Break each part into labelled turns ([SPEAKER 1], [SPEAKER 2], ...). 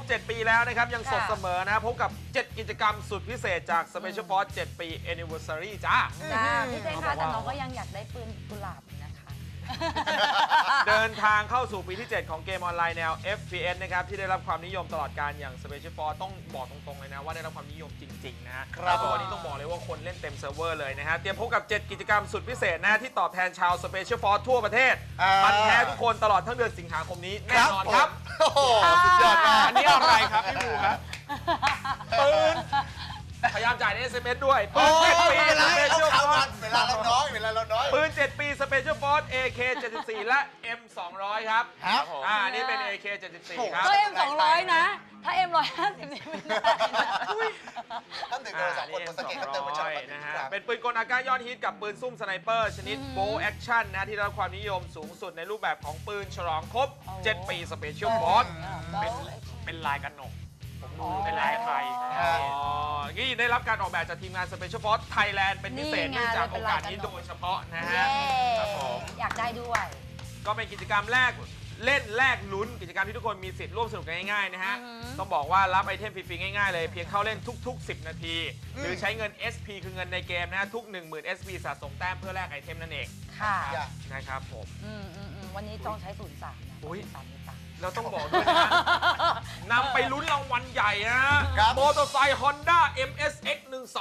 [SPEAKER 1] 7 ปีแล้วนะครับยังสดเสมอนะพบกับ 7 กิจกรรมสุดพิเศษจาก Special Force 7 ปี Anniversary จ้า
[SPEAKER 2] พี่เจคะแต่น้องก็ยังอยากได้ปืนกุหลาบนะคะ
[SPEAKER 1] เดินทางเข้าสู่ปีที่ 7 ของเกมออนไลน์แนว FPS นะครับที่ได้รับความนิยมตลอดการอย่าง Special Force ต้องบอกตรงๆเลยนะว่าได้รับความนิยมจริงๆนะฮะตัวนี้ต้องบอกเลยว่าคนเล่นเต็มเซิร์ฟเวอร์เลยนะฮะเตรียมพบกับ 7 กิจกรรมสุดพิเศษนะที่ตอบแทนชาว Special Force ทั่วประเทศพันแท้ทุกคนตลอดทั้งเดือนสิงหาคมนี้แน่นอนครับ
[SPEAKER 3] โอ้โหสุดยอดมาก
[SPEAKER 1] อันนี้อะไรครับพี่บูครับปืนพยายามจ่ายใน SMS ด้วยปืน7 ปี Special Force
[SPEAKER 3] เวลาเราน้อย
[SPEAKER 1] ปืน7 ปี Special Force AK 74และ M 200ครับอันนี้เป็น AK 74ครับ
[SPEAKER 2] ก็ M 200นะถ้า M 150นี่ไม่ได้
[SPEAKER 3] ท่านถึงเราสองคนสังเกตกันเติมมาจาก
[SPEAKER 1] นะฮะเป็นปืนกลอากาศยอดฮิตกับปืนซุ่มสไนเปอร์ชนิดโบว์แอคชั่นนะที่ได้รับความนิยมสูงสุดในรูปแบบของปืนฉลองครบ 7 ปี Special Force เป็นลายกันหนกเป็นลายไทยนี่ได้รับการออกแบบจากทีมงาน Special Force Thailand เป็นพิเศษเนื่องจากโอกาสนี้โดยเฉพาะนะฮะ
[SPEAKER 2] อยากได้ด้วย
[SPEAKER 1] ก็เป็นกิจกรรมแรกเล่นแลกลุ้นกิจกรรมที่ทุกคนมีสิทธิ์ร่วมสนุกกันง่ายๆนะฮะต้องบอกว่ารับไอเทมฟรีๆง่ายๆเลยเพียงเข้าเล่นทุกๆ10 นาทีหรือใช้เงิน SP คือเงินในเกมนะทุก 10,000 SP สะสมแต้มเพื่อแลกไอเทมนั่นเอง
[SPEAKER 2] ค่ะ
[SPEAKER 1] นะครับผม
[SPEAKER 2] วันนี้จองใช้ 03นะ
[SPEAKER 1] เราต้องบอกด้วยนะนำไปลุ้นรางวัลใหญ่นะมอเตอร์ไซค์ Honda MSX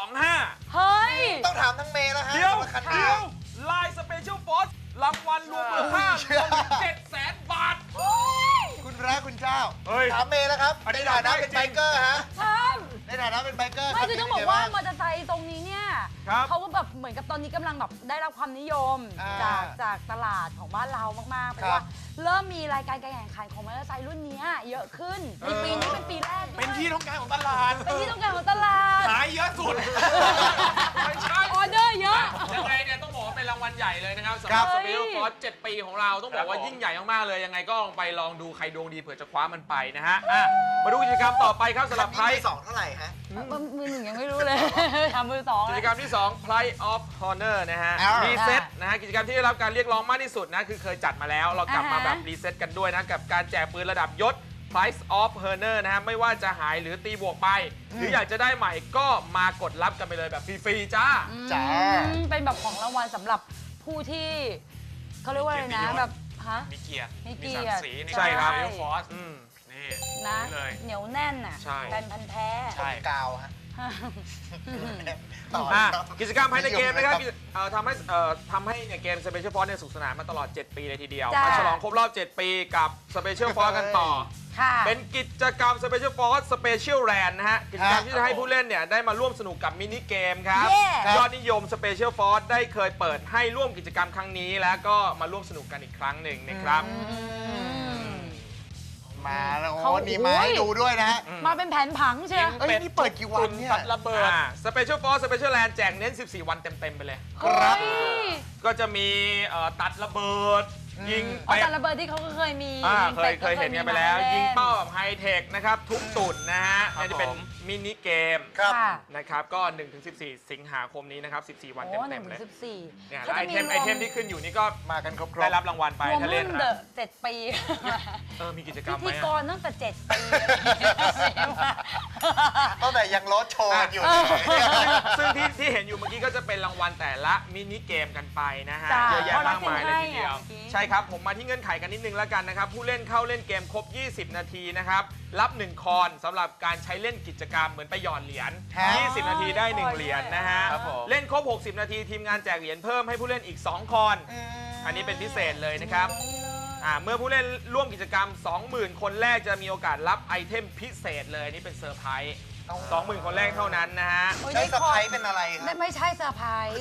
[SPEAKER 1] 125
[SPEAKER 2] เฮ้ย
[SPEAKER 3] ต้องถามทั้งเมย์แล้วฮะ
[SPEAKER 1] เดี๋ยวลาย Special Force รางวัลรวมมูลค่ารวม700,000 บาท
[SPEAKER 3] คุณพระคุณเจ้าถามเมย์แล้วครับในฐานะเป็นไบเกอร์ฮะในฐานะเป็นไบเกอร์
[SPEAKER 2] ไม่คือต้องบอกว่ามอเตอร์ไซค์ตรงนี้เนี่ยเขาก็แบบเหมือนกับตอนนี้กำลังแบบได้รับความนิยมจากตลาดของบ้านเรามากๆเพราะว่าเริ่มมีรายการการแข่งขันของมอเตอร์ไซค์รุ่นนี้เยอะขึ้นในปีนี้เป็นปีแรก
[SPEAKER 1] เป็นที่ต้องการของตลาด
[SPEAKER 2] เป็นที่ต้องการของตลาด
[SPEAKER 1] ขายเยอะสุดไม่ใช่
[SPEAKER 2] ออเดอร์เยอะ
[SPEAKER 1] ยังไงเนี่ยต้องบอกว่าเป็นรางวัลใหญ่เลยนะครับสำหรับ Special Force 7 ปีของเราต้องบอกว่ายิ่งใหญ่มากๆเลยยังไงก็ลองดูใครดวงดีเผื่อจะคว้ามันไปนะฮะมาดูกิจกรรมต่อไปครับสำหรับไพรส์
[SPEAKER 3] 2เท่าไหร่ฮะ
[SPEAKER 2] มือ 1ยังไม่รู้เลยทำมือ 2
[SPEAKER 1] กิจกรรมที่2 Prize of Honor นะฮะรีเซ็ตนะฮะกิจกรรมที่ได้รับการเรียกร้องมากที่สุดนะคือเคยจัดมาแล้วเรากลับมาแบบรีเซ็ตกันด้วยนะกับการแจกปืนระดับยศ Prize of Honor นะฮะไม่ว่าจะหายหรือตีบวกไปหรืออยากจะได้ใหม่ก็มากดรับกันไปเลยแบบฟรีๆจ้า
[SPEAKER 2] เป็นแบบของรางวัลสำหรับผู้ที่เขาเรียกว่าอะไรนะแบบ
[SPEAKER 1] มีเกียรติ
[SPEAKER 2] มีศักดิ์ศรี
[SPEAKER 1] ใช่ครับ
[SPEAKER 2] ฟอสนี่นะเหนียวแน่นน่ะแฟนพันธุ์แท้
[SPEAKER 3] ใช่กาวฮะ
[SPEAKER 1] กิจกรรมภายในเกมนะครับทำให้เนี่ยเกม Special Force เนี่ยสุขสนานมาตลอด 7 ปีเลยทีเดียวมาฉลองครบรอบ 7 ปีกับ Special Force กันต่อเป็นกิจกรรม Special Force Special Land นะฮะกิจกรรมที่จะให้ผู้เล่นเนี่ยได้มาร่วมสนุกกับมินิเกมครับยอดนิยม Special Force ได้เคยเปิดให้ร่วมกิจกรรมครั้งนี้แล้วก็มาร่วมสนุกกันอีกครั้งหนึ่งนะครับ
[SPEAKER 3] มาแล้วโอ้นี่มาให้ดูด้วยนะฮะ
[SPEAKER 2] มาเป็นแผนผังใช่ไหม
[SPEAKER 3] นี่เปิดกี่วันเนี่ย
[SPEAKER 1] ระเบิดSpecial Force Special Land แจกเน้น14 วันเต็มๆไปเลย
[SPEAKER 3] ครับ
[SPEAKER 1] ก็จะมีตัดระเบิดยิง
[SPEAKER 2] ตัดระเบิดที่เขาก็เคยมี
[SPEAKER 1] เคยเห็นกันไปแล้วยิงเป้าแบบไฮเทคนะครับทุกตุ่นนะฮะนี่จะเป็นมินิเกมนะครับก็ 1-14 สิงหาคมนี้นะครับ14 วันเต็มๆเลยเนี่ยไอเทมที่ขึ้นอยู่นี่ก็
[SPEAKER 3] มากันครบ
[SPEAKER 1] ได้รับรางวัลไปถ้าเล่น
[SPEAKER 2] 7 ปี
[SPEAKER 1] มีกิจกรรมไหม
[SPEAKER 2] พิธีกรตั้งแต่7 ปี
[SPEAKER 3] ตั้งแต่ยังรถโชว์อยู่
[SPEAKER 1] ซึ่งที่เห็นอยู่เมื่อกี้ก็จะเป็นรางวัลแต่ละมินิเกมกันไปนะฮะเยอะแยะมากมายเลยทีเดียวใช่ครับผมมาที่เงื่อนไขกันนิดนึงแล้วกันนะครับผู้เล่นเข้าเล่นเกมครบ20 นาทีนะครับรับ1 คอนสำหรับการใช้เล่นกิจกรรมเหมือนไปหยอดเหรียญ20 นาทีได้1 เหรียญนะฮะเล่นครบ60 นาทีทีมงานแจกเหรียญเพิ่มให้ผู้เล่นอีก2 คอนอันนี้เป็นพิเศษเลยนะครับเมื่อผู้เล่นร่วมกิจกรรม 20,000 คนแรกจะมีโอกาสรับไอเทมพิเศษเลยนี่เป็นเซอร์ไพรส์ 20,000 คนแรกเท่านั้นนะฮะ
[SPEAKER 3] ใช้เซอร์ไพรส์เป็นอะไรครับ
[SPEAKER 2] ไม่ใช่เซอร์ไพรส์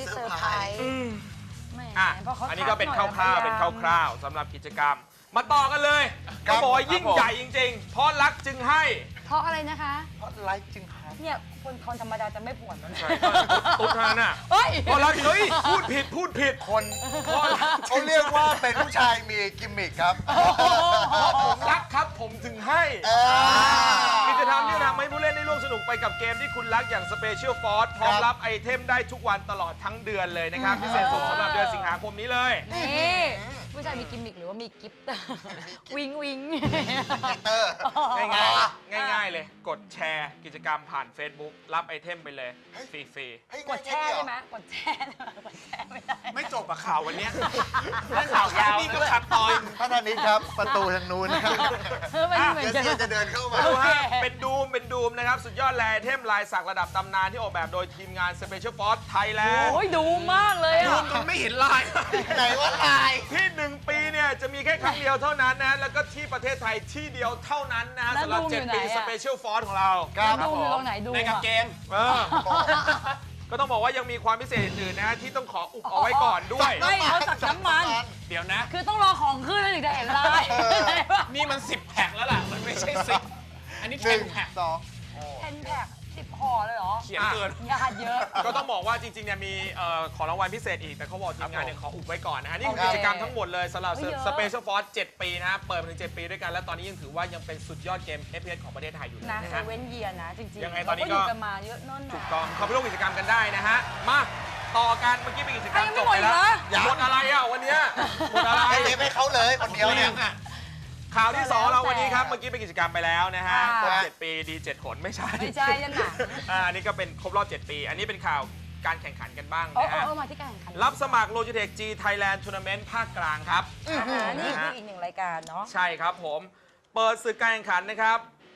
[SPEAKER 1] อันนี้ก็เป็นคร่าวๆสำหรับกิจกรรมมาต่อกันเลยก็บอกว่ายิ่งใหญ่จริงๆเพราะรักจึงให้
[SPEAKER 2] เพราะอะไรนะคะ
[SPEAKER 3] เพราะไลค์จึงให้
[SPEAKER 2] เนี่ยคนธรรมดาจะไม่ปวดนะ
[SPEAKER 1] ตุ๊ดทาน่ะเพราะรักพูดผิดคน
[SPEAKER 3] เขาเรียกว่าเป็นผู้ชายมีกิมมิคครับ
[SPEAKER 1] ผมรักครับผมจึงให้กิจกรรมที่ทำให้ผู้เล่นได้ร่วมสนุกไปกับเกมที่คุณรักอย่าง Special Force พร้อมรับไอเทมได้ทุกวันตลอดทั้งเดือนเลยนะครับพิเศษสุดสำหรับเดือนสิงหาคมนี้เลย
[SPEAKER 2] นี่ผู้ชายมีกิมมิคหรือว่ามีกิฟต์วิงวิง
[SPEAKER 3] เตอร์
[SPEAKER 1] ง่ายเลยกดแชร์กิจกรรมผ่าน Facebook รับไอเทมไปเลยฟรี
[SPEAKER 2] กดแช่ได้ไหมกดแช่ไม่ได้
[SPEAKER 4] ไม่จบกับข่าววันเนี้ย
[SPEAKER 1] เรื่องข่าวยาว
[SPEAKER 4] นี่ก็ขัดตอย
[SPEAKER 3] พระธนิตครับประตูทางนู้นนะครับ
[SPEAKER 2] ไม่เหมือน
[SPEAKER 3] เดี๋ยว
[SPEAKER 2] กัน
[SPEAKER 3] เสียจะเดินเข้ามา
[SPEAKER 1] ดูฮะเป็นดูมนะครับสุดยอดแลไอเทมลายสักระดับตำนานที่ออกแบบโดยทีมงาน Special Force Thailand
[SPEAKER 2] โอ้ยดูมากเลย
[SPEAKER 4] ดู
[SPEAKER 2] อ่ะ
[SPEAKER 4] จนไม่เห็นลาย
[SPEAKER 3] ไหนว่าลาย
[SPEAKER 1] ที่ 1 ปีเนี่ยจะมีแค่ครั้งเดียวเท่านั้นนะ แล้วก็ที่ประเทศไทยที่เดียวเท่านั้นนะสำหรับ 7 ปี Special Force ของเรา
[SPEAKER 2] แล้วดูอยู่ตรงไหนดู
[SPEAKER 4] ในกางเกง
[SPEAKER 1] ก็ต้องบอกว่ายังมีความพิเศษอื่นๆนะที่ต้องขออุบเอาไว้ก่อนด้วย
[SPEAKER 2] ไม่เขาสักน้ำมัน
[SPEAKER 4] เดี๋ยวนะ
[SPEAKER 2] คือต้องรอของขึ้นแล้วถึงจะเห็นลาย
[SPEAKER 4] นี่มัน10แพ็คแล้วล่ะ มันไม่ใช่10อันนี้
[SPEAKER 3] หนึ่ง
[SPEAKER 4] 10แพ็ค
[SPEAKER 3] สอง
[SPEAKER 2] 10 แพ็ค10 ห่อเลยเหรอ
[SPEAKER 4] เขียนเกิน
[SPEAKER 2] ญาติเยอะ
[SPEAKER 1] ก็ต้องบอกว่าจริงๆเนี่ยมีของรางวัลพิเศษอีกแต่เขาบอกทีมงานเนี่ยขออุบไว้ก่อนนะฮะนี่คือ
[SPEAKER 2] โอเค
[SPEAKER 1] กิจกรรมทั้งหมดเลยสำหรับ
[SPEAKER 2] เฮ้ยเยอะ
[SPEAKER 1] Special Force 7 ปีนะฮะเปิดมาถึง 7 ปีด้วยกัน และตอนนี้ยังถือว่ายังเป็นสุดยอดเกม FPS ของประเทศไทยอยู่เลย
[SPEAKER 2] นะ
[SPEAKER 1] นะ
[SPEAKER 2] เซ
[SPEAKER 1] ฮะ
[SPEAKER 2] เว่นเยียนะจริงๆ
[SPEAKER 1] ยังไงตอนนี้ก็
[SPEAKER 2] เราอยู่กันมาเยอะนั่น
[SPEAKER 1] ถู
[SPEAKER 2] นะ
[SPEAKER 1] กต้องเข้าไปร่วมกิจกรรมกันได้นะฮะมาต่อกันเมื่อกี้เป็นกิจกรรม
[SPEAKER 2] ยัง
[SPEAKER 1] จ
[SPEAKER 2] ไม่
[SPEAKER 1] บ
[SPEAKER 2] หมด
[SPEAKER 1] ไปแล้ว
[SPEAKER 2] อีกเหรอ
[SPEAKER 1] หมดอะไรอ่ะวันเนี้ยหมดอะไร
[SPEAKER 3] ให้เทปให้เขาเลยคนเดียวเนี่ย
[SPEAKER 1] ข่าวที่ 2 เราวันนี้ครับ
[SPEAKER 2] แล้วแต่
[SPEAKER 1] เมื่อกี้เป็นกิจกรรมไปแล้วนะฮะ
[SPEAKER 2] ค่ะ
[SPEAKER 1] ครบ7 ปีดี7ผลไม่ใช่
[SPEAKER 2] ไม่ใช่นั่นน่ะ
[SPEAKER 1] อันนี้ก็เป็นครบรอบ 7 ปี อันนี้เป็นข่าวการแข่งขันกันบ้าง
[SPEAKER 2] โอ้
[SPEAKER 1] นะฮะ
[SPEAKER 2] โอ้มาที่การแข่งขัน
[SPEAKER 1] รับสมัคร Logitech G Thailand Tournament ภาคกลางครับ
[SPEAKER 2] นี่คืออีกหนึ่งรายการเนาะ
[SPEAKER 1] ใช่ครับผม เปิดศึกการแข่งขันนะครับ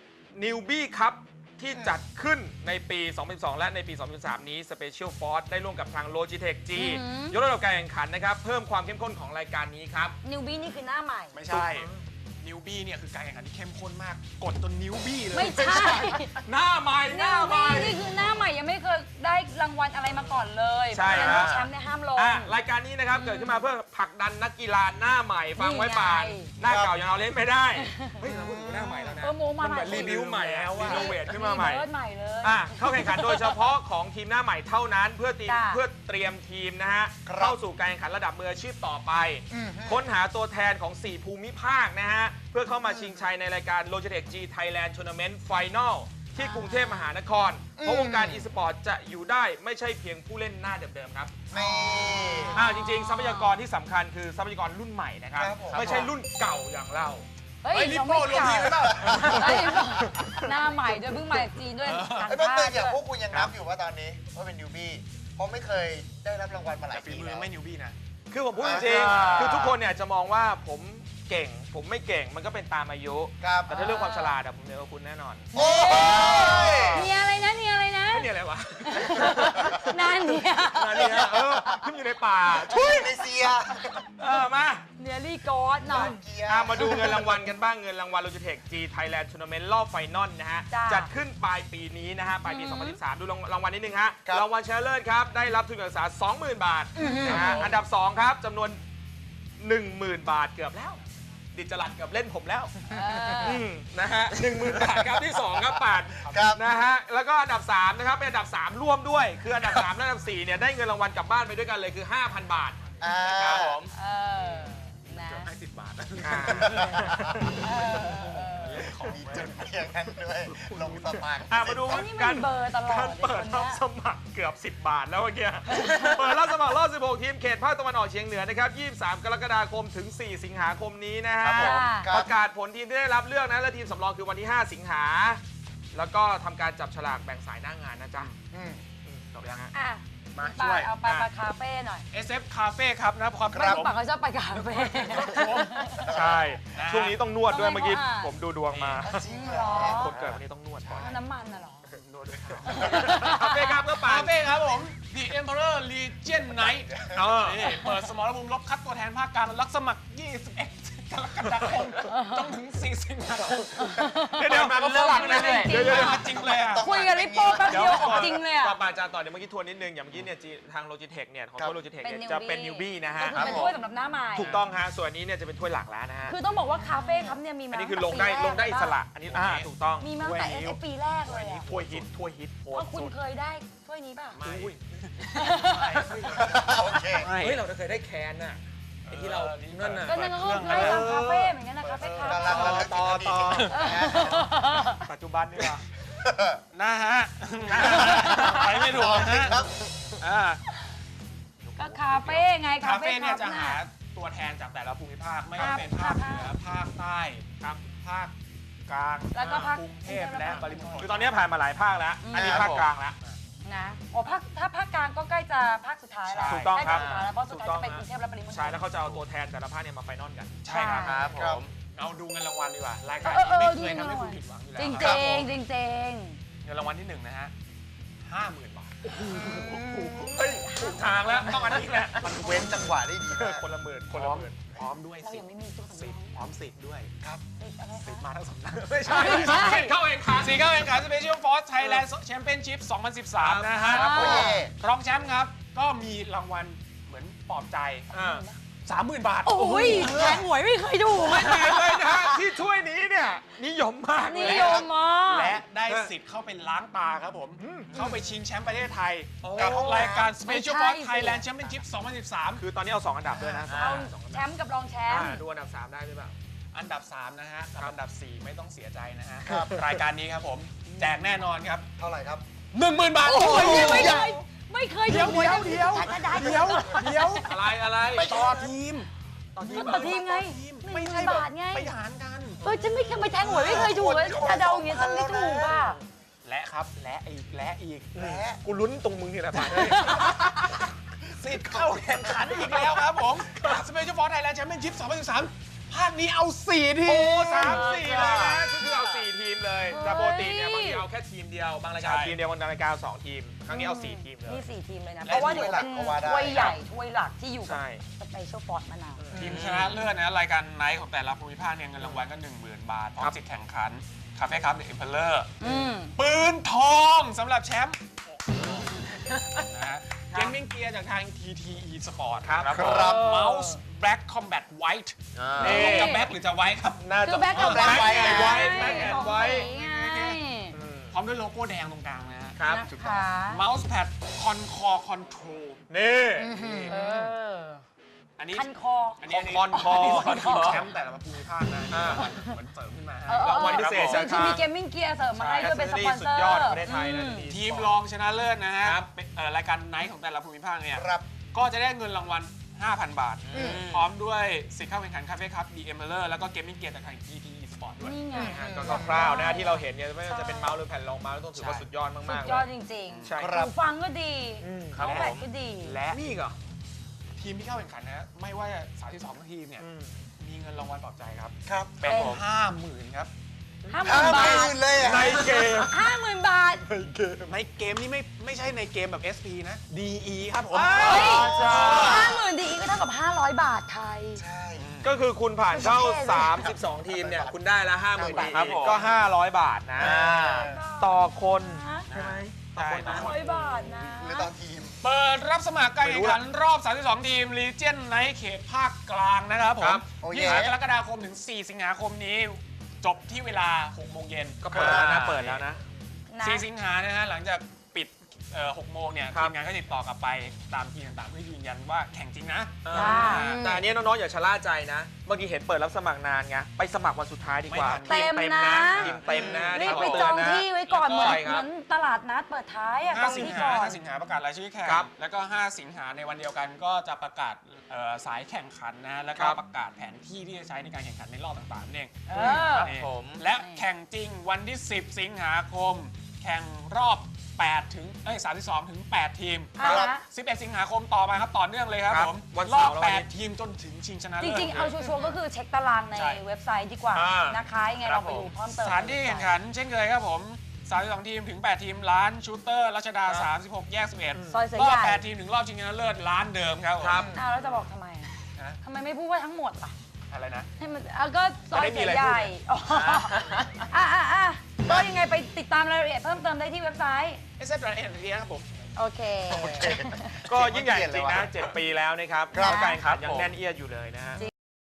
[SPEAKER 1] Newbie Cup ที่จัดขึ้นในปี 2012 และในปี 2013 นี้ Special Force ได้ร่วมกับทาง Logitech G ยกระดับการแข่งขันนะครับ เพิ่มความเข้มข้นของรายการนี้ครับ
[SPEAKER 2] นิวบี้นี่คือหน้าใหม่
[SPEAKER 4] ไม่ใช่ นิวบี้เนี่ยคือการแข่งขันที่เข้มข้นมาก กดจนนิ้วบี้เลย
[SPEAKER 2] ไม่ใช่
[SPEAKER 1] หน้าใหม่ห
[SPEAKER 2] นิ
[SPEAKER 1] น้าว ใหม่
[SPEAKER 2] บี้นี่คือหน้าใหม่ยังไม่เคยได้รางวัลอะไรมาก่อนเลย
[SPEAKER 1] ใช่
[SPEAKER 2] เพ
[SPEAKER 1] ครั
[SPEAKER 2] ราะ
[SPEAKER 1] บ
[SPEAKER 2] ฉะนั้นแชมป์เนี่ยห้ามลง
[SPEAKER 1] รายการนี้นะครับ เกิดขึ้นมาเพื่อผลักดันนักกีฬาหน้าใหม่ฟังไว้ป่าน
[SPEAKER 2] นี่ไง
[SPEAKER 1] หน้าเก่ายังเอาเล่นไม่ได้ เฮ้ยเราพูดถึงหน้าใหม่แล้วนะ
[SPEAKER 2] โมมา
[SPEAKER 1] มัน
[SPEAKER 2] ให
[SPEAKER 1] เห
[SPEAKER 2] ม่
[SPEAKER 1] มือนรีวิวใหม่แล้ว
[SPEAKER 4] ว่า
[SPEAKER 1] รีโนเวทขึ้นมาใหม่
[SPEAKER 2] เบิร์ดใหม่เลย
[SPEAKER 1] เข้าแข่งขันโดยเฉพาะของทีมหน้าใหม่เท่านั้น เพื่อเตรียมทีมนะฮะ
[SPEAKER 3] ครับ
[SPEAKER 1] เข้าสู่การแข่งขันระดับมืออาชีพต่อไป ค้นหาตัวแทนของ 4 ภูมิภาคนะฮะ เพื่อเข้ามาชิงชัยในรายการ Logitech G Thailand Tournament Final ที่กรุงเทพมหานคร เพราะวงการ e-sport จะอยู่ได้ไม่ใช่เพียงผู้เล่นหน้าเดิมๆครับ
[SPEAKER 3] นี่
[SPEAKER 1] จริงๆ ทรัพยากรที่สำคัญคือทรัพยากรรุ่นใหม่นะครับ
[SPEAKER 3] ครับผม
[SPEAKER 1] ไม่ใช่รุ่นเก่าอย่างเรา
[SPEAKER 2] เฮ้ย
[SPEAKER 4] ลิปโป้ลงทีมเปล่า
[SPEAKER 2] เฮ้ยหน้าใหม่ด้วยเพิ่งมาจากจีนด้วยต่าง
[SPEAKER 3] ไอ้แป๊บ
[SPEAKER 2] ชา
[SPEAKER 3] นึง
[SPEAKER 2] ติ
[SPEAKER 3] อย่างพ
[SPEAKER 2] ด้
[SPEAKER 3] ว
[SPEAKER 2] ว
[SPEAKER 3] ก
[SPEAKER 2] ย
[SPEAKER 3] คุณยังนับอยู่ว่าตอนนี้ว่าเป็นนิวบี้เพราะไม่เคยได้รับรางวัลมาหลา
[SPEAKER 4] แต่
[SPEAKER 3] ย
[SPEAKER 4] ฝี
[SPEAKER 3] ปี
[SPEAKER 4] มื
[SPEAKER 3] แล้
[SPEAKER 4] อ
[SPEAKER 3] ว
[SPEAKER 4] ไม่นิวบี้นะ
[SPEAKER 1] คือผมพูดจริงๆคือทุกคนเนี่ยจะมองว่าผมเก่ง ผมไม่เก่งมันก็เป็นตามอายุ
[SPEAKER 3] ครับ
[SPEAKER 1] แต่ถ้าเรื่องความฉลาดอะผมเหนือกว่าคุณแน่นอน
[SPEAKER 3] โอ้ย
[SPEAKER 2] เนียอะไรนะเนียอะไรนะ
[SPEAKER 1] ไม่มีอะไรวะ
[SPEAKER 2] นานเนีย
[SPEAKER 1] อันนี้ฮะขึ้นอยู่ในป่า
[SPEAKER 3] ช่วยในเซีย
[SPEAKER 1] มา
[SPEAKER 2] เนียรี่กอดหน่อย
[SPEAKER 3] เกีย
[SPEAKER 1] มาดูเงินรางวัลกันบ้างเงินรางวัล Logitech G Thailand Tournament รอบไฟนอลนะฮะ
[SPEAKER 2] จ้ะ
[SPEAKER 1] จัดขึ้นปลายปีนี้นะฮะปลายปี 2013 ดูรางวัลนิดนึงฮะ
[SPEAKER 3] ครับ
[SPEAKER 1] รางวัลชนะเลิศครับได้รับทุนการศึกษา 20,000 บาทนะฮะอันดับ 2 ครับจำนวน 10,000 บาทเกือบแล้ว ดิจลัดเกือบเล่นผมแล้วนะฮะ 10,000 บาทครับที่ 2 ครับปาด
[SPEAKER 3] ครับ
[SPEAKER 1] นะฮะแล้วก็อันดับ 3 นะครับเป็นอันดับ 3 ร่วมด้วย คืออันดับ 3 และอันดับ 4 เนี่ยได้เงินรางวัลกลับบ้านไปด้วยกันเลยคือ 5,000 บาท
[SPEAKER 3] อ่า
[SPEAKER 1] ครับผม
[SPEAKER 2] นะ
[SPEAKER 4] ให้10 บาทนะ
[SPEAKER 3] มีจุดอย่างนั้นด้วยลงสมัคร
[SPEAKER 1] มาดู
[SPEAKER 2] ไอ้นี่มัน
[SPEAKER 1] การ
[SPEAKER 2] เบอร์ตลอด
[SPEAKER 1] การเปิดรับสมัครเกือบ 10 บาทแล้วเมื่อกี้ เปิดรับสมัครรอบ 16 ทีมเขตภาคตะวันออกเฉียงเหนือนะครับ 23 กรกฎาคมถึง 4 สิงหาคมนี้นะฮะ
[SPEAKER 3] ครับผม ครับ
[SPEAKER 1] ประกาศผลทีมที่ได้รับเลือกนะ และทีมสำรองคือวันที่ 5 สิงหา แล้วก็ทำการจับฉลากแบ่งสายหน้างานนะจ๊ะ
[SPEAKER 3] อืม
[SPEAKER 1] จบยังฮะ
[SPEAKER 2] อ่ะ
[SPEAKER 4] มา
[SPEAKER 2] ไป
[SPEAKER 4] ช่วย
[SPEAKER 2] เอาไปคาเฟ่หน่อย
[SPEAKER 4] SF Cafe ครับนะความ
[SPEAKER 2] ไม่รู้ปากเขาชอบไปคาเฟ่
[SPEAKER 1] ใช่ ช่วงนี้ต้องนวดด้วย
[SPEAKER 2] ทำไม
[SPEAKER 1] เมื่อกี้
[SPEAKER 2] เขาอ่ะ
[SPEAKER 1] ผมดูดวงมา
[SPEAKER 3] จริงเหรอ
[SPEAKER 1] คนเกิดวันนี้ต้องนวดก่อน
[SPEAKER 2] น้ำมันน่ะเหรอ
[SPEAKER 1] นวดด้วยครับคาเฟ่ครับก็ป่า
[SPEAKER 4] คาเฟ่ครับผม The Emperor Legion Night นี่เปิดสมรภูมิรบคัดตัวแทนภาคกลางรับสมัคร 21 กรกฎาคมจนถึง 4 สิงหาคม
[SPEAKER 1] เดี๋ยวมาก็ฝรั่งนะเนี่ย
[SPEAKER 4] เดี๋ยวจริงเลยอ่ะ
[SPEAKER 2] คุยกับริปโป้แป๊บเดียวออกจริงเลยอ่ะ
[SPEAKER 1] ก่อนปาจารย์ต่อเดี๋ยวเมื่อกี้ทวนนิดนึง อย่างเมื่อกี้เนี่ยทาง Logitech เนี่ยของตัว Logitech เนี่ยจะเป็น newbie นะฮะ
[SPEAKER 2] ก็คือเป็นถ้วยสำหรับหน้าใหม่
[SPEAKER 1] ถูกต้องฮะ ส่วนนี้เนี่ยจะเป็นถ้วยหลักแล้วนะฮะ
[SPEAKER 2] คือต้องบอกว่าคาเฟ่ครับเนี่ยมีมา
[SPEAKER 1] อันนี้คือลงได้อิสระ อันนี้ถูกต้อง
[SPEAKER 2] มีมาตั้งแต่ SF ปีแรกเลยอ่ะ
[SPEAKER 1] ถ้วยฮิตโพ
[SPEAKER 2] ว่าคุณเคยได้ถ้วยนี้ป่ะ
[SPEAKER 1] อุ้ย
[SPEAKER 3] โอเค
[SPEAKER 1] เฮ้ยเราเคยได้แคนน่ะไอ้ที่เรานั่นน่ะ
[SPEAKER 2] ก็นั่นก็ไล่ตามคาเฟ่เหมือนกันนะคาเฟ่คา
[SPEAKER 3] กำลัง
[SPEAKER 1] ต่อปัจจุบันนี่ว่า
[SPEAKER 4] นะฮะ ไปไม่ถูกนะฮะ
[SPEAKER 3] ครับ
[SPEAKER 4] อ่า
[SPEAKER 2] ก็คาเฟ่ไง
[SPEAKER 4] คาเฟ่เนี่ยจะหาตัวแทนจากแต่ละภูมิภาคไม่ว่าเป็นภาคเหนือภาคใต้ครับภาคกลาง
[SPEAKER 2] แล้วก็ภาค
[SPEAKER 4] กรุงเทพและปริมณฑล
[SPEAKER 1] คือตอนนี้ผ่านมาหลายภาคแล้ว อันนี้ภาคกลางแล้ว
[SPEAKER 2] นะโอ้ถ้าภาคกลางก็ใกล้จะภาคสุดท้ายแล้ว
[SPEAKER 1] ถูกต้องครับ
[SPEAKER 2] ใกล้จะสุดท้ายแล้วเพราะสุดท้ายจะเป็นกรุงเทพและปริมณฑล
[SPEAKER 1] ใช่แล้วเขาจะเอาตัวแทนแต่ละภาคเนี่ยมาไฟนอลกัน
[SPEAKER 4] ใช่ครับ
[SPEAKER 3] ครับผม
[SPEAKER 4] เอาดูเงินรางวัลดีกว่ารายการ
[SPEAKER 2] เอ
[SPEAKER 4] นี้
[SPEAKER 2] อ
[SPEAKER 4] ไม่เคย
[SPEAKER 2] ดู
[SPEAKER 4] ทำให้
[SPEAKER 2] หน่
[SPEAKER 4] คุ
[SPEAKER 2] อย
[SPEAKER 4] ณผิดหวังอยู่แล้ว
[SPEAKER 2] จริง
[SPEAKER 4] ค
[SPEAKER 2] จ
[SPEAKER 4] รับ
[SPEAKER 2] ริงจริงจริง
[SPEAKER 4] เงินรางวัลที่1นะฮะ 50,000 บาท
[SPEAKER 1] เฮ้ยถูกทางแล้วต้องอันนี้แหละ
[SPEAKER 3] มันเว้นจังหวะได้ดีมาก
[SPEAKER 1] คนละหมื่น
[SPEAKER 4] พ
[SPEAKER 1] คนละ
[SPEAKER 4] ร้อม
[SPEAKER 1] หมื่น
[SPEAKER 4] พร้อมด้วย
[SPEAKER 2] เรา
[SPEAKER 4] สิ
[SPEAKER 2] ยั
[SPEAKER 4] ท
[SPEAKER 2] ง
[SPEAKER 4] ธิ์
[SPEAKER 2] ไม่มีตู้สำร
[SPEAKER 4] สิ
[SPEAKER 2] อ
[SPEAKER 4] ท
[SPEAKER 2] ง
[SPEAKER 4] ธิ์พร้อมสิทธิ์ด้วยครับ
[SPEAKER 2] อะไร
[SPEAKER 4] สิทธิ์
[SPEAKER 2] คะ
[SPEAKER 4] มาทั้งสำนัก
[SPEAKER 1] ไม่ใช่
[SPEAKER 2] ไม่ใช่
[SPEAKER 1] เข้าเองค่ะ
[SPEAKER 4] สีเข้าแข่งขัน Special Force Thailand Championship 2013 นะฮะ
[SPEAKER 3] โอ้ย
[SPEAKER 4] รองแชมป์ครับ ก็มีรางวัลเหมือนปลอบใจ 30,000 บาท
[SPEAKER 2] โอ้ยแทงหวยไม่เคยดู
[SPEAKER 1] ไม่ดีเลยนะฮะที่ถ้วยนี้เนี่ยนิยมมาก
[SPEAKER 2] นิ
[SPEAKER 1] เลย
[SPEAKER 2] ยมมาก
[SPEAKER 4] และได้สิทธิ์เข้าไปล้างตาครับผม เข้าไปชิงแชมป์ประเทศไทย
[SPEAKER 1] โอ้
[SPEAKER 4] กับรายการ
[SPEAKER 2] ไม่
[SPEAKER 4] Special
[SPEAKER 2] ใช่
[SPEAKER 4] Force
[SPEAKER 2] สิ
[SPEAKER 4] Thailand Championship 2013
[SPEAKER 1] คือตอนนี้เอา 2 อันดับด้วยนะ
[SPEAKER 2] เอาแชมป์กับรองแชมป์
[SPEAKER 1] ดูอันดับ 3 ได้หรือเปล่า
[SPEAKER 4] อันดับ 3 นะฮะกับอันดับ 4 ไม่ต้องเสียใจนะฮะ
[SPEAKER 3] ครับ
[SPEAKER 4] รายการนี้ครับผม แจกแน่นอนครับ
[SPEAKER 3] เท่าไหร่ครับ
[SPEAKER 4] 10,000 บาท
[SPEAKER 2] โอ้ย
[SPEAKER 4] โอ้ย
[SPEAKER 2] ไม่เคยดูหวยนะ
[SPEAKER 4] เดี๋ยว
[SPEAKER 1] อะไร
[SPEAKER 4] ต่อทีม
[SPEAKER 2] ต่อทีมไง
[SPEAKER 4] ไม่ใช่
[SPEAKER 2] 10,000 บาทไง
[SPEAKER 4] ไปหารกัน
[SPEAKER 2] ฉันไม่เคยไปแทงหวยไม่เคยถูกเลยจะเดาอย่างเงี้ยฉันไม่ถูกอ่ะ
[SPEAKER 4] และครับ และอีก และอีก
[SPEAKER 3] และ
[SPEAKER 1] กูลุ้นตรงมึงนี่แหละผ่าน
[SPEAKER 4] สิทธิ์เข้าแข่งขันอีกแล้วครับผม Special Force Thailand Championship 2013 ภาคนี้เอา 4 ทีม
[SPEAKER 1] โอ้3-4 เลยนะคือเอา 4 ทีมเลยแต่ปกติเนี่ยบางทีเอาแค่ทีมเดียว บางรายการทีมเดียวบางรายการ2 ทีม ครั้งนี้เอา 4 ทีมเลย
[SPEAKER 2] นี่4 ทีมเลยนะ
[SPEAKER 4] และ
[SPEAKER 2] เพราะว่าเดี๋ยวเป็น
[SPEAKER 3] ถ้วยหลักก็ว่าได้
[SPEAKER 2] ถ้วยใหญ่ถ้วยหลักที่อยู่กับ
[SPEAKER 1] ใช่
[SPEAKER 2] สเปเชียลฟอร์ดมานาน
[SPEAKER 4] ทีมชนะเลิศนะรายการไนท์ของแต่ละภูมิภาคเนี่ยเงินรางวัลก็ 10,000 บาท พร้อมสิทธิ์แข่งขัน คาเฟ่ครับเดอะเอ็มเพลเลอร์ ปืนทองสำหรับแชมป์นะฮะเกมมิ่งเกียร์จากทาง TTE Sport
[SPEAKER 1] ครับ
[SPEAKER 3] ครับ
[SPEAKER 4] เมาส์ Black Combat White
[SPEAKER 1] นี่
[SPEAKER 4] จะแบ็คหรือจะไวท์ครับ
[SPEAKER 1] น่า
[SPEAKER 2] คื
[SPEAKER 1] จะ
[SPEAKER 2] อแบ็คกับ
[SPEAKER 3] แบ็คไว้
[SPEAKER 1] ไว้
[SPEAKER 2] ไง
[SPEAKER 1] แบ็คแอนด์ไว้
[SPEAKER 2] ไง
[SPEAKER 4] พร้อมด้วยโลโก้แดงตรงกลางนะฮะ
[SPEAKER 1] ครับ
[SPEAKER 2] นะคะ
[SPEAKER 4] เมาส์แพดคอนคอคอนโทรล
[SPEAKER 1] นี่
[SPEAKER 2] เออ
[SPEAKER 4] อันนี้
[SPEAKER 2] คันคอ
[SPEAKER 4] อันนี้
[SPEAKER 1] คอนคอ
[SPEAKER 4] อันนี้ทีมแชมป์แต่ละภูมิภาคนะเหมือนเสริมขึ้นมาฮะ
[SPEAKER 1] รางวัลพิเศษ
[SPEAKER 2] ซึ่งที่มีเกมมิ่งเกียร์เสริมมาให้ด้วยเป็นสปอนเซอร์
[SPEAKER 1] สุดยอดของประเทศไทยนะ
[SPEAKER 4] ทีมรองชนะเลิศนะฮะเป็นรายการไนท์ของแต่ละภูมิภาคเนี่ย
[SPEAKER 3] ครับ
[SPEAKER 4] ก็จะได้เงินรางวัล 5,000 บาท พร้อมด้วยสิทธิ์เข้าแข่งขันคาเฟ่ครับ DM m e r แล้วก็เกมมิ่งเกียร์จากทาง TTE Sport ด้วย
[SPEAKER 2] นี่ไง
[SPEAKER 1] ก็คร่าวๆนะที่เราเห็นเนี่ยไม่ว่าจะเป็นเมาส์หรือแผ่นรองเมาส์ต้องถือว่าสุดยอด
[SPEAKER 2] สุ
[SPEAKER 1] มาก
[SPEAKER 2] ด
[SPEAKER 1] ๆ
[SPEAKER 2] ยอด
[SPEAKER 1] เลย
[SPEAKER 2] จริง
[SPEAKER 1] ใช่
[SPEAKER 2] ๆ
[SPEAKER 3] ครับ
[SPEAKER 2] หูฟังก็ดี
[SPEAKER 1] ครับ
[SPEAKER 2] เขาแบ
[SPEAKER 1] ผ
[SPEAKER 2] บ
[SPEAKER 1] ม
[SPEAKER 2] ก็ดี
[SPEAKER 4] และ
[SPEAKER 1] นี่อีกเหรอ
[SPEAKER 4] ทีมที่เข้าแข่งขันนะไม่ว่า32 ทีมเนี่ยมีเงินรางวัลปลอบใจครับ
[SPEAKER 3] ครับ
[SPEAKER 4] เป็น
[SPEAKER 2] เป็น
[SPEAKER 4] 50,000 ครับ
[SPEAKER 2] 50,000 บาท
[SPEAKER 3] 50,000เลยอะ
[SPEAKER 1] ในเกม
[SPEAKER 2] 50,000 บาท
[SPEAKER 4] ในเกมนี่ไม่ใช่ในเกมแบบ SP นะ DE ครับผม
[SPEAKER 2] เฮ้ย
[SPEAKER 1] ใช่
[SPEAKER 2] 50,000 ดีก็เท่ากับ 500 บาทไทย
[SPEAKER 3] ใช่
[SPEAKER 1] ก็คือคุณผ่านเข้า
[SPEAKER 2] ไม่ใช่
[SPEAKER 1] 32 ทีมเนี่ย คุณได้ละ 50,000 บาท
[SPEAKER 4] ครับผม
[SPEAKER 1] ก็ 500 บาทนะ ต่อคนใช่ไหมต่อคนนะ
[SPEAKER 2] 500 บาทนะ
[SPEAKER 3] หรือตอนทีม
[SPEAKER 4] เปิดรับสมัครการแข่งขันรอบ 32 ทีม Legion ในเขตภาคกลางนะครับผ
[SPEAKER 1] ครั
[SPEAKER 4] ม
[SPEAKER 1] บ
[SPEAKER 3] โอ้เย่
[SPEAKER 4] 20 กรกฎาคมถึง 4 สิงหาคมนี้ จบที่เวลา 6 โมงเย็น
[SPEAKER 1] ก็เปิดแล้วนะ เปิดแล้วนะ
[SPEAKER 2] นะ
[SPEAKER 4] 4 สิงหานะฮะหลังจากปิด 6 โมงเนี่ย
[SPEAKER 1] ครับ
[SPEAKER 4] ทีมงานก็ติดต่อกลับไปตามทีมต่างๆเพื่อยืนยันว่าแข่งจริงนะ
[SPEAKER 1] แต่อันนี้น้องๆอย่าชะล่าใจนะ เมื่อกี้เห็นเปิดรับสมัครนานไง ไปสมัครวันสุดท้ายดีกว่า
[SPEAKER 4] ไม่ทัน
[SPEAKER 2] เต็มนะ
[SPEAKER 1] ทีมเต็มนะ
[SPEAKER 2] รีบไป
[SPEAKER 1] นี่
[SPEAKER 2] จอง
[SPEAKER 1] ขเตืนนะ
[SPEAKER 2] ที่ไว้ก่อนเหมือน
[SPEAKER 1] ใช่ค
[SPEAKER 2] เห
[SPEAKER 1] รั
[SPEAKER 2] มื
[SPEAKER 1] บ
[SPEAKER 2] อนตลาดนัดเปิดท้ายอะจอง
[SPEAKER 4] 5 สิง
[SPEAKER 2] ที่
[SPEAKER 4] หา
[SPEAKER 2] ก่อน
[SPEAKER 4] 5 สิงหาประกาศรายชื่อแข่ง
[SPEAKER 1] ครับ
[SPEAKER 4] แล้วก็ 5 สิงหาในวันเดียวกันก็จะประกาศสายแข่งขันนะแล้วก็
[SPEAKER 1] ครับ
[SPEAKER 4] ประกาศแผนที่ที่จะใช้ในการแข่งขันในรอบต่างๆนั่นเอง
[SPEAKER 2] เออ
[SPEAKER 1] ครับ
[SPEAKER 4] นี่
[SPEAKER 1] ผม
[SPEAKER 4] และแข่งจริงวันที่ 10 สิงหาคม แข่งรอบ 32 ถึง 8 ทีม
[SPEAKER 2] ครับ
[SPEAKER 4] 11 สิงหาคมต่อมาครับต่อเนื่องเลยครับ
[SPEAKER 1] ครับ
[SPEAKER 4] ผม
[SPEAKER 1] วัน
[SPEAKER 4] รอ
[SPEAKER 1] เสา
[SPEAKER 4] บ
[SPEAKER 1] ร์และวันอาทิตย์
[SPEAKER 4] 8 ทีมจนถึงชิงชนะ
[SPEAKER 2] จ
[SPEAKER 4] เลิศ
[SPEAKER 2] ริงๆ เอาชัวร์ๆก็คือเช็คตารางใน
[SPEAKER 4] ใช่
[SPEAKER 2] เว็บไซต์ดีกว่า
[SPEAKER 1] อ่าน
[SPEAKER 2] นะคะยังไงเราไปดูเพิ่มเติม
[SPEAKER 4] สถานที่แข่งขันเช่นเคยครับผม 32 ทีมถึง 8 ทีมร้านชูเตอร์รัชดา 36 แยก 11
[SPEAKER 2] ซอยเสือ
[SPEAKER 4] รอ
[SPEAKER 2] ให
[SPEAKER 4] บ
[SPEAKER 2] ญ่
[SPEAKER 4] 8 ทีมถึงรอบชิงชนะเลิศร้านเดิมครับผม
[SPEAKER 1] ครับ
[SPEAKER 2] อ้าวแล้วจะบอกทำไม
[SPEAKER 4] ฮะ
[SPEAKER 2] ทำไมไม่พูดว่าทั้งหมดล่ะ
[SPEAKER 4] อะไรนะ
[SPEAKER 2] ให้มันก็ซอย
[SPEAKER 1] จะได้มี
[SPEAKER 2] เสือ
[SPEAKER 1] อะไร
[SPEAKER 2] ใหญ่
[SPEAKER 1] พูด
[SPEAKER 2] อ๋อก็ยังไงไปติดตามรายละเอียดเพิ่มเติมได้ที่เว็บไซต์
[SPEAKER 4] SF.NT ครับผม
[SPEAKER 2] โอเค
[SPEAKER 1] ก็ยิ่งใหญ่จริงนะ 7 ปีแล้วนะครับ
[SPEAKER 3] ครับ
[SPEAKER 1] การแข่งขันยังแน่นเอียดอยู่เลยนะฮะ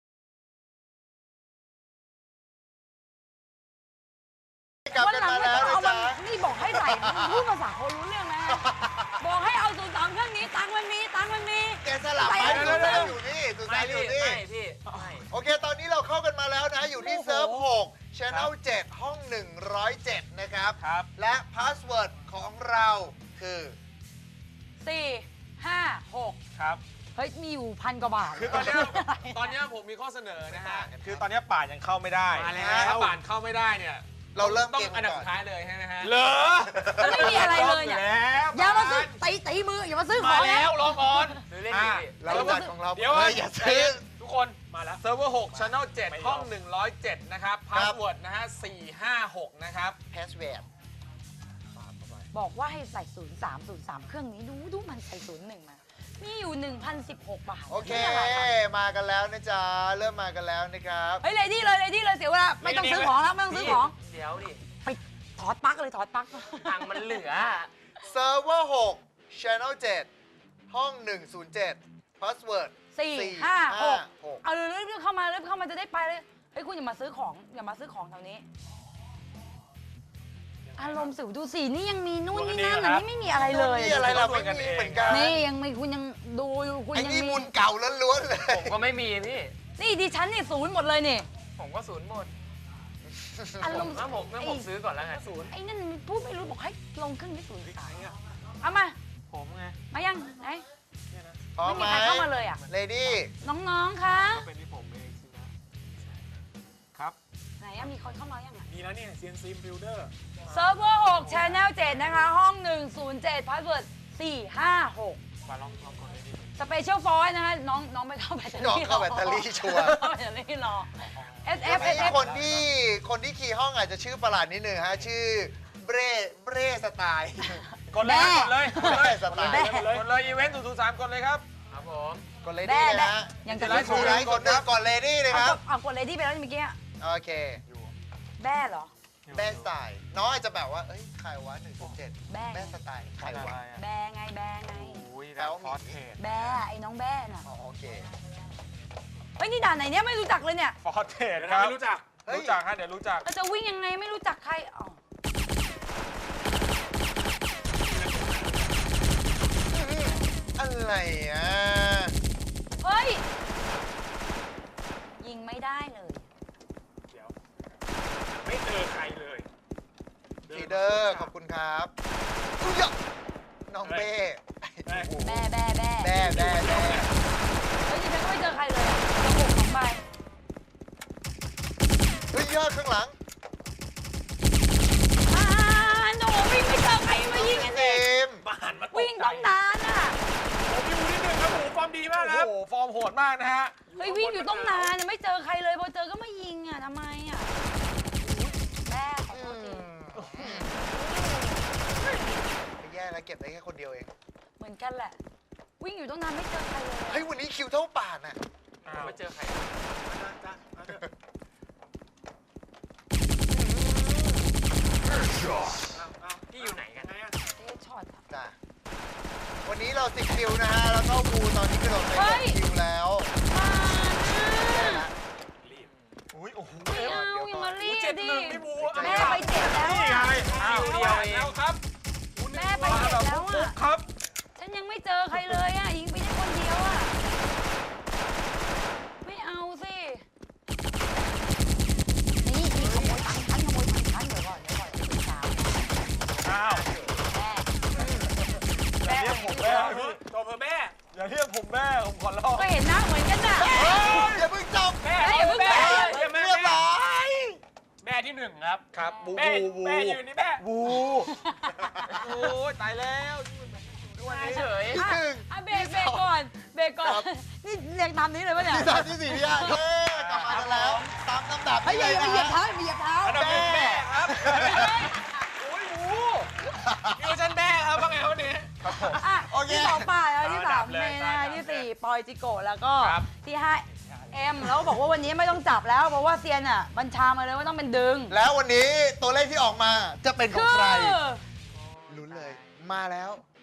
[SPEAKER 3] กลับ
[SPEAKER 2] วัน
[SPEAKER 3] กัน
[SPEAKER 2] หลัง
[SPEAKER 3] มา
[SPEAKER 2] ไม่
[SPEAKER 3] แล้ว
[SPEAKER 2] ต้อง
[SPEAKER 3] นะ
[SPEAKER 2] เอา
[SPEAKER 3] จ๊ะ
[SPEAKER 2] มันนี่บอกให้ใส่พูดภาษาคนรู้เรื่องนะ บอกให้เอา03เครื่องนี้ตังค์มันมีตังค์มันมี
[SPEAKER 3] แกสลับไป
[SPEAKER 2] ใส่
[SPEAKER 3] ดูซานอยู่นี่ดูซานอยู่นี่
[SPEAKER 1] พี่
[SPEAKER 3] โอเค ตอนนี้เราเข้ากันมาแล้วนะ อยู่ที่เซิร์ฟ6 Channel 7 ห้อง 107 นะครับ
[SPEAKER 1] ครับ
[SPEAKER 3] และพาสเวิร์ดของเราคือ
[SPEAKER 2] 4 5 6
[SPEAKER 1] ครับ
[SPEAKER 2] เฮ้ยมีอยู่1,000 กว่าบาท
[SPEAKER 1] คือตอนเนี้ยผมมีข้อเสนอนะฮะ คือตอนเนี้ยป่านยังเข้าไม่ได้
[SPEAKER 4] มาแล้ว
[SPEAKER 1] ถ้าป่านเข้าไม่ได้เนี่ย
[SPEAKER 3] เราเริ่ม
[SPEAKER 1] ต้อง
[SPEAKER 3] เกม
[SPEAKER 1] อันดับ
[SPEAKER 3] ก่อน
[SPEAKER 1] สุดท้ายเลยใช่ไหมฮะ
[SPEAKER 4] เหรอ
[SPEAKER 2] มันไม่มีอะไรเลยเนี่ย
[SPEAKER 1] แล้ว
[SPEAKER 2] อย่ามาซื้อตีมืออย่ามาซื้อข
[SPEAKER 4] มา
[SPEAKER 2] อง
[SPEAKER 4] แล้
[SPEAKER 2] นะ
[SPEAKER 4] วรอก่อน
[SPEAKER 3] เราจัดของเรา
[SPEAKER 4] เดี๋ยว
[SPEAKER 3] เฮ้ยอย่าซื้อ
[SPEAKER 4] ทุกคนมาแล้ว
[SPEAKER 1] เซิร์ฟเวอร์6 Channel 7 ห้อง 107 นะครับพาสเวิร์ดนะฮะ 456 นะครับ
[SPEAKER 3] password
[SPEAKER 2] บอกว่าให้ใส่0303เครื่องนี้ดูมันใส่01มามีอยู่ 1,016 บาท
[SPEAKER 3] โอเค
[SPEAKER 2] นี่อะไรคะ
[SPEAKER 3] มากันแล้วนะจ๊ะ เริ่มมากันแล้วนะครับ
[SPEAKER 2] เฮ้ยเลดี้เลยเสียเวลาไม่ต้องซื้อของแล้วไม่ต้องซื้อของ
[SPEAKER 5] เดี๋ยวดิ
[SPEAKER 2] ไปถอดปลั๊กเลยถอดปลั๊ก
[SPEAKER 5] ตังค์มันเหลือ
[SPEAKER 3] เซิร์ฟเวอร์6 Channel 7 ห้อง 107 password
[SPEAKER 2] 456เอาเลยรีบเข้ามาจะได้ไปเลยเฮ้ยคุณอย่ามาซื้อของแถวนี้อารมณ์สิวดูสินี่ยังมีนู่นนี่นั่นแต่นี่ไม่มีอะไรเลย
[SPEAKER 3] นี่อะไรเราไม่มีเหมือนกัน
[SPEAKER 2] นี่ยังไม่คุณยังดูอยู่คุณ
[SPEAKER 3] ไอ้
[SPEAKER 2] ยัง
[SPEAKER 3] นี่
[SPEAKER 2] มี
[SPEAKER 3] บุญเก่าล้วนๆเลย
[SPEAKER 5] ผมก็ไม่มีพี่
[SPEAKER 2] นี่ดิฉันนี่0หมดเลยนี่
[SPEAKER 5] ผมก็ศูนย์หมด
[SPEAKER 2] อารมณ์
[SPEAKER 5] งั้นผมซื้อก่อนแล้วไงศูนย์
[SPEAKER 2] ไอ้นั่นมันพูดไม่รู้บอกให้ลงเครื่องที่03เอามา
[SPEAKER 5] ผมไง
[SPEAKER 2] มายังไหน
[SPEAKER 3] พร้อม
[SPEAKER 2] ไม่
[SPEAKER 3] ไหม
[SPEAKER 2] มีใครเข้ามาเลยอ่ะ
[SPEAKER 3] เลดี้
[SPEAKER 2] น้องๆคะ
[SPEAKER 4] ก็เป็นที่ผมเองสินะครับ
[SPEAKER 2] ไหนอะมีคนเข้ามายังอ่ะ
[SPEAKER 4] มีแล้วเนี่ย CNC Builder
[SPEAKER 2] เซิร์ฟเวอร์6 Channel 7 นะคะ ห้อง 107 Password 456
[SPEAKER 4] มาลองกดเลยดิ
[SPEAKER 2] สเปเชียลฟอยล์นะคะน้องไปเข้าแบตเตอรี่
[SPEAKER 3] น้องเข้าแบตเตอรี่ชัวร์
[SPEAKER 2] เข้าแบตเตอรี่รอ SF
[SPEAKER 3] มี
[SPEAKER 2] SF
[SPEAKER 3] คนที่คีย์ห้องอาจจะชื่อประหลาดนิดนึงฮะ ชื่อเบรสไตล์
[SPEAKER 1] กดเลยครับกดเลย
[SPEAKER 3] เบรสไตล์
[SPEAKER 1] กดเลยอีเวนต์003กดเลยครับ
[SPEAKER 5] ครับผม
[SPEAKER 3] กดเลดี้เลยนะฮะ
[SPEAKER 2] ยังจะ
[SPEAKER 1] ไล
[SPEAKER 2] ไม่
[SPEAKER 1] ฟ์
[SPEAKER 3] ชูไลท์กดหนึ่งกดเลดี้เลยครับ
[SPEAKER 2] เอากดเลยที่ไปแล้วเมื่อกี้อะ
[SPEAKER 3] โอเค
[SPEAKER 2] แบ้เหรอ
[SPEAKER 3] แบรสไตล์น้องอาจจะแบบว่า เอ้ยใครวะ107
[SPEAKER 2] แบ้
[SPEAKER 3] แบรสไตล์ใครวะ
[SPEAKER 2] แบ้ไง
[SPEAKER 4] อุ้ยแล้วฟอสเทส
[SPEAKER 2] แบ้ไอ้น้องแบ้น่ะ
[SPEAKER 3] อ๋อโอเค
[SPEAKER 2] เฮ้ยนี่ด่านไหนเนี่ยไม่รู้จักเลยเนี่ย
[SPEAKER 1] ฟอร์เทสครับ
[SPEAKER 4] ไม่รู้จัก
[SPEAKER 3] เฮ้ย
[SPEAKER 1] รู้จักฮะเดี๋ยวรู้จัก
[SPEAKER 2] เราจะวิ่งยังไงไม่รู้จักใครอ๋อ
[SPEAKER 3] อะไรอ่ะ
[SPEAKER 2] เฮ้ยยิงไม่ได้เลย
[SPEAKER 4] เดี๋ยว ไม่เจอใครเลย
[SPEAKER 3] ฟีเดอร์ขอบคุณครับอุ๊ยอะน้องเบ้
[SPEAKER 2] แบ้
[SPEAKER 3] แบ้แบ้แบ้
[SPEAKER 2] เฮ้ยดิฉันก็ไม่เจอใครเลยอะกระปุก2ใบ
[SPEAKER 3] เฮ้ยยอดข้างหลัง
[SPEAKER 2] หนูวิ่งไม่เจอใครมายิงกัน
[SPEAKER 3] เต็
[SPEAKER 2] ดิ
[SPEAKER 3] ม
[SPEAKER 4] บ้านมาตก
[SPEAKER 2] วิ่งต้องนานอ่ะ
[SPEAKER 4] ผมอยู่นิดนึงครับผมฟอร์มดีมากครับ
[SPEAKER 1] โอ้โหฟอร์มโหดมากนะฮะ
[SPEAKER 2] เฮ้ยวิ่งอยู่ต้องนานอะไม่เจอใครเลยพอเจอก็ไม่ยิงอ่ะทำไมอ่ะแม่ขอโทษที
[SPEAKER 3] แย่แล้วเก็บได้แค่คนเดียวเอง
[SPEAKER 2] เหมือนกันแหละ วิ่งอยู่ต้องนานไม่เจอใครเลย
[SPEAKER 3] เฮ้ยวันนี้คิวเท่าป่านอ่ะ
[SPEAKER 5] ผมไม่เจอใคร พี่อยู่ไหนกัน
[SPEAKER 2] เอ๊ะช็อตอะ
[SPEAKER 3] จ้ะวันนี้เรา10คิวนะฮะ แล้วก็บูตอนนี้กระโดดไป
[SPEAKER 2] เฮ้ย
[SPEAKER 3] 6คิวแล้ว
[SPEAKER 2] มา
[SPEAKER 3] แย่ละ
[SPEAKER 1] อุ้ยโอ้โห
[SPEAKER 2] ไม่เอาอย่ามารีบดิ
[SPEAKER 4] ไม่บู
[SPEAKER 2] แม่ไปเจ็บแล้ว
[SPEAKER 1] นี่ไง
[SPEAKER 2] อะ
[SPEAKER 1] อ้าว
[SPEAKER 5] คิวเดียวเอง
[SPEAKER 1] แล้วครับ
[SPEAKER 2] แม่ไปเจ็บแล้ว
[SPEAKER 1] ฟุ
[SPEAKER 2] อ่ะ
[SPEAKER 1] กครับ
[SPEAKER 2] ฉันยังไม่เจอใครเลยอ่ะยิงไปได้คนเดียวอ่ะไม่เอาสินี่ขโมยตังค์ฉันเดี๋ยวก่อนพี่สาว
[SPEAKER 1] อ้าว
[SPEAKER 2] แม่
[SPEAKER 1] อย่าเรียกผมแม่พี่
[SPEAKER 4] โจมเพอแม่
[SPEAKER 1] อย่าเรียกผมแม่ผมขอร้อง
[SPEAKER 2] ก็เห็นหน้าเหมือนกันน่ะ
[SPEAKER 3] อย่าเพิ่งจบ
[SPEAKER 4] แม่
[SPEAKER 2] อย่าเพิ่ง
[SPEAKER 4] แม่
[SPEAKER 2] ไป
[SPEAKER 3] เรียบร้อย
[SPEAKER 4] แม่ที่หนึ่งครับ
[SPEAKER 1] ครับบู
[SPEAKER 4] แม่
[SPEAKER 1] บู
[SPEAKER 4] แม่อยู่นี่แม่
[SPEAKER 1] บูโอ้ยตายแล้ว
[SPEAKER 5] เฉย
[SPEAKER 2] อ่ะอ่ะเบรกก่อนนี่เรียงตามนี้เลยปะเนี่ย
[SPEAKER 3] ที่สามที่สี่ที่ห้าเย้กลับมากันแล้ว ตามลำดับ
[SPEAKER 2] เฮ้ย
[SPEAKER 3] นี่
[SPEAKER 2] อย่า
[SPEAKER 3] เลย
[SPEAKER 2] เหยียบ
[SPEAKER 3] นะ
[SPEAKER 2] เท้าอย่าเหยียบเท้า
[SPEAKER 4] อันดับหนึ่งแม่ครับโอ้ยหมูอยู่ชั้นแม่ครับว่าไงวันนี้
[SPEAKER 2] อ่ะ
[SPEAKER 3] โอเค
[SPEAKER 2] ที่สองป่ายแล้วที่สาม
[SPEAKER 4] อันดับเลย
[SPEAKER 2] เมย์นะคะที่สี่ปอยจิโกะแล้วก็
[SPEAKER 4] ครับ
[SPEAKER 2] ที่ห้าเอ็มแล้วบอกว่าวันนี้ไม่ต้องจับแล้วเพราะว่าเซียนอ่ะบัญชามาเลยว่าต้องเป็นดึง
[SPEAKER 3] แล้ววันนี้ตัวเลขที่ออกมาจะเป็นของใคร
[SPEAKER 2] คือ
[SPEAKER 3] ลุ้นเลย มาแล้ว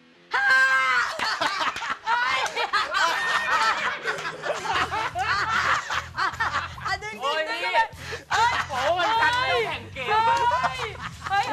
[SPEAKER 2] อ่ะดึง
[SPEAKER 5] โอ้ย
[SPEAKER 2] ดึง
[SPEAKER 5] พี่
[SPEAKER 2] ดึง
[SPEAKER 5] โอ้มันกันเรื่องแข่งเกม
[SPEAKER 2] เฮ้ย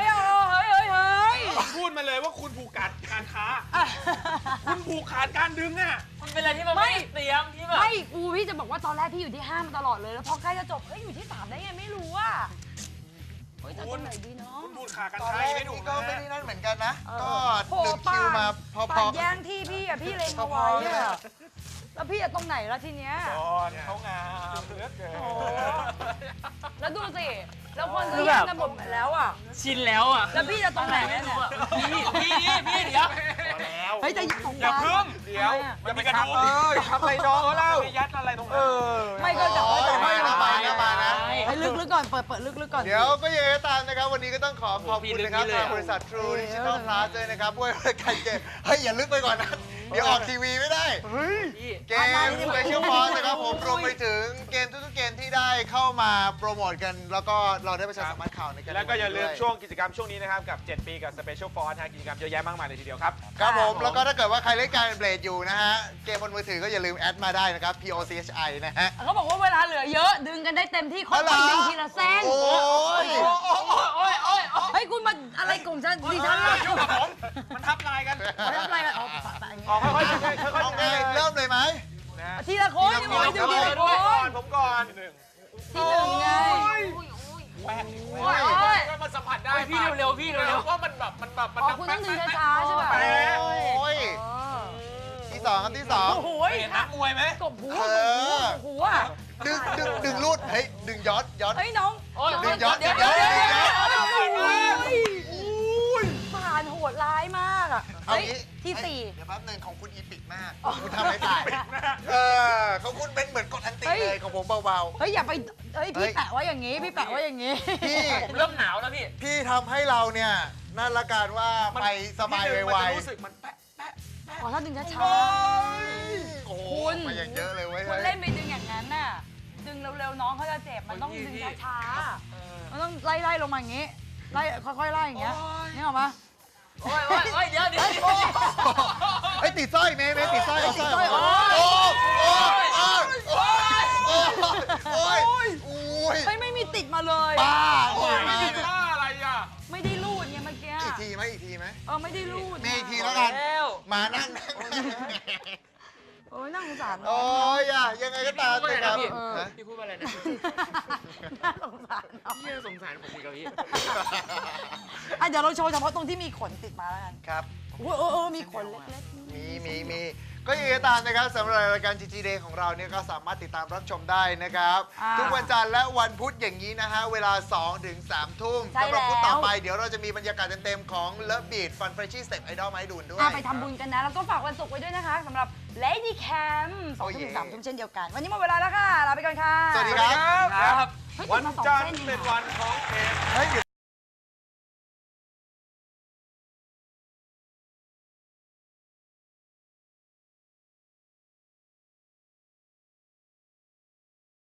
[SPEAKER 4] คุณพูดมาเลยว่าคุณผูกขาดการค้า คุณผูกขาดการดึงอ่ะ
[SPEAKER 5] มันเป็นอะไรที่มันไม่ได้เตรียมที่แบบ
[SPEAKER 2] ไม่กูพี่จะบอกว่าตอนแรกพี่อยู่ที่5มาตลอดเลยแล้วพอใกล้จะจบเฮ้ยอยู่ที่3ได้ไงไม่รู้อ่ะเฮ้ยแต่ตรงไหนดีเนาะ
[SPEAKER 4] คุณผูกขาดการ
[SPEAKER 3] ตอน
[SPEAKER 4] ค้า
[SPEAKER 3] แรก
[SPEAKER 4] ไม่ถู
[SPEAKER 3] นี่
[SPEAKER 4] ก
[SPEAKER 3] ก็
[SPEAKER 4] นะ
[SPEAKER 3] ไม่ได้นั่นเหมือนกันนะ ก็
[SPEAKER 2] โห
[SPEAKER 3] 1คิวมาพอ
[SPEAKER 2] ปาดแย่งที่พี่อ่ะพี่เลงเอาไว้อ่ะแล้วพี่จะตรงไหนล่ะทีเนี้ย
[SPEAKER 4] ตอนเขางามเหลือเกิน
[SPEAKER 2] โอ้แล้วดูสิแล้วคนก็แย่งกันหมดแล้วอ่ะ
[SPEAKER 5] ชินแล้วอ่ะ
[SPEAKER 2] แล้วพี่จะตรงไหนเนี่ย
[SPEAKER 5] พี่เดี๋ยว
[SPEAKER 2] เฮ้ยจะยิงของ
[SPEAKER 4] อย่า
[SPEAKER 2] ร้าน
[SPEAKER 4] พึ่ง
[SPEAKER 1] เดี๋ยว
[SPEAKER 4] มันมีกระดูก
[SPEAKER 1] อย่าทำอะไรน้องเขาเล่า
[SPEAKER 4] ไปยัดอะไรตรงนั้น
[SPEAKER 2] ไม่ก็จะ
[SPEAKER 3] มานะมานะมานะ
[SPEAKER 2] ให้ลึกๆก่อนเปิดลึกๆก่อน
[SPEAKER 3] เดี๋ยวก็ยังไงก็ตามนะครับ วันนี้ก็ต้องขอขอบคุณนะครับทางบริษัท True Digital Plus ด้วยนะครับด้วยรายการเกมเฮ้ยอย่าลึกไปก่อนนะ เดี๋ยวออกทีวีไม่ได้ เกม Special Force นะครับผมรวมไปถึงเกมทุกๆเกมที่ได้เข้ามาโปรโมทกัน แล้วก็เราได้ประชาสัมพันธ์ข่าวในการ
[SPEAKER 1] แล้วก็อย่าลืม
[SPEAKER 3] ด้วย
[SPEAKER 1] ช่วงกิจกรรมช่วงนี้นะครับกับ 7 ปีกับ Special Force กิจกรรมเยอะแยะมากมายเลยทีเดียวครับ
[SPEAKER 3] ครับผม แล้วก็ถ้าเกิดว่าใครเล่นการเบลดอยู่นะฮะ เกมบนมือถือก็อย่าลืมแอดมาได้นะครับ POCHI นะฮะ
[SPEAKER 2] เขาบอกว่าเวลาเหลือเยอะดึงกันได้เต็มที่ค่อยๆดึงทีละเส้น
[SPEAKER 3] โอ้ย
[SPEAKER 2] เฮ้ยคุณมาอะไรกลุ่มฉันดิฉันล่ะ
[SPEAKER 4] ยุ่งกับผมมันทับลายกัน
[SPEAKER 2] มาทำอะไรกันอ๋อปะๆอย่างเงี้
[SPEAKER 1] อ๋อย ค่อยๆค่อย
[SPEAKER 3] โอเคเริ่มเลยไหม
[SPEAKER 1] ๆนะ
[SPEAKER 2] ทีละคนยังไม่ดูทีละค
[SPEAKER 1] ผมก่อน
[SPEAKER 2] ที่หนึ่งไง
[SPEAKER 4] แป้ง
[SPEAKER 2] โอ้ย
[SPEAKER 4] ก็มันสัมผัสได้
[SPEAKER 5] พี่เร็วพี่เร็ว
[SPEAKER 4] ว่ามันแบบมันแบบ
[SPEAKER 2] อ๋อคุณต้องดึงช้าๆใช่ไหม
[SPEAKER 3] โอ้ย ที่สองครับที่สอง
[SPEAKER 2] โอ้โห
[SPEAKER 4] เห็นนักมวยไหม
[SPEAKER 2] กบหัวกบหัว
[SPEAKER 3] ดึงรูดเฮ้ยดึงย้อนย้อน
[SPEAKER 2] เฮ้ยน้อง
[SPEAKER 3] ดึงย้อน
[SPEAKER 2] เดี๋ยว
[SPEAKER 3] ดึงย้อน
[SPEAKER 2] ผ่านโหดร้ายมากอ่ะ
[SPEAKER 3] เอา
[SPEAKER 2] เฮ้ย
[SPEAKER 3] งี้
[SPEAKER 2] ที่สี่
[SPEAKER 3] เดี๋ยวแป๊บนึงของคุณอีปิกมากคุณทำไม่ได้ของคุณเป็นเหมือนกดอันติเลยของผมเบา
[SPEAKER 2] เฮ้ยอย่าไปเฮ้ยพี่แปะไว้อย่างงี้พี่แปะไว้อย่างงี้
[SPEAKER 3] ๆพี่
[SPEAKER 5] ผมเริ่มหนาวแล้วพี่
[SPEAKER 3] พี่ทำให้เราเนี่ยนั่นละกันว่าไปสบายไว
[SPEAKER 1] มันจะรู้สึกมันแปะ
[SPEAKER 2] อ๋อถ้าดึงช้า
[SPEAKER 3] ๆโอ้โหมาอย่างเยอะเลยเว้ย
[SPEAKER 2] ๆคุณเล่นไปดึงอย่างนั้นน่ะดึงเร็วๆน้องเขาจะเจ็บมันต้องดึงช้าๆมันต้องไล่ๆลงมาอย่างงี้ไล่ค่อยๆไล่อย่างเงี้ยนี่ออกมา
[SPEAKER 5] โอ้ยเดี๋ยว
[SPEAKER 3] เฮ้ยติดสร้อยเมย์ติดสร้อยเอาสร้อย
[SPEAKER 2] โอ้
[SPEAKER 3] โอ้ยโอ้ย
[SPEAKER 2] เฮ้ยไม่มีติดมาเลย
[SPEAKER 3] ป้าโอ้ย
[SPEAKER 1] ไม่มีท่าอะไรอ่ะ
[SPEAKER 2] ไม่ได้รูดไงเมื่อกี้
[SPEAKER 3] อีกทีไหมอีกทีไหม
[SPEAKER 2] ไม่ได้รูด
[SPEAKER 3] มีอีกทีแล้วกัน
[SPEAKER 5] แล้ว
[SPEAKER 3] มานั่ง
[SPEAKER 2] โอ้ยน่าสงสารน้
[SPEAKER 3] โอ้
[SPEAKER 2] อง
[SPEAKER 3] ยยังไงก็ตามเลยครับ
[SPEAKER 5] พี่พูดว่าอะไรนะ
[SPEAKER 2] น่าสงสารน้อง
[SPEAKER 5] พี่สงสารผมอีกแล้วพี่
[SPEAKER 2] เดี๋ยวเราโชว์เฉพาะตรงที่มีขนติดมาแล้วกัน
[SPEAKER 3] ครับ
[SPEAKER 2] มีขนเล็ก
[SPEAKER 3] มีก็ยังไงก็ตามนะครับสำหรับรายการ GG Day ของเราเนี่ยก็สามารถติดตามรับชมได้นะครับ ทุกวันจันทร์และวันพุธอย่างนี้นะฮะเวลา 2 ถึง 3 ทุ่มสำหรับพุธต่อไปเดี๋ยวเราจะมีบรรยากาศเต็มๆของ Love Beat Fun Freshie Step Idol มาให้ดูด้วย
[SPEAKER 2] ไปทำบุญกันนะ แล้วก็ฝากวันศุกร์ไว้ด้วยนะคะสำหรับ Lady Cam 2 ทุ่มถึง 3 ทุ่มเช่นเดียวกัน วันนี้หมดเวลาแล้วค่ะ ลาไปก่อนค่ะ
[SPEAKER 3] สวัสดีครับ
[SPEAKER 1] ครับ
[SPEAKER 2] เฮ้ย
[SPEAKER 1] วัน
[SPEAKER 2] ติดมาสอง
[SPEAKER 1] จันท
[SPEAKER 2] เส้
[SPEAKER 1] ร์
[SPEAKER 2] น
[SPEAKER 1] เป็นวันของเกม
[SPEAKER 3] เฮ้ย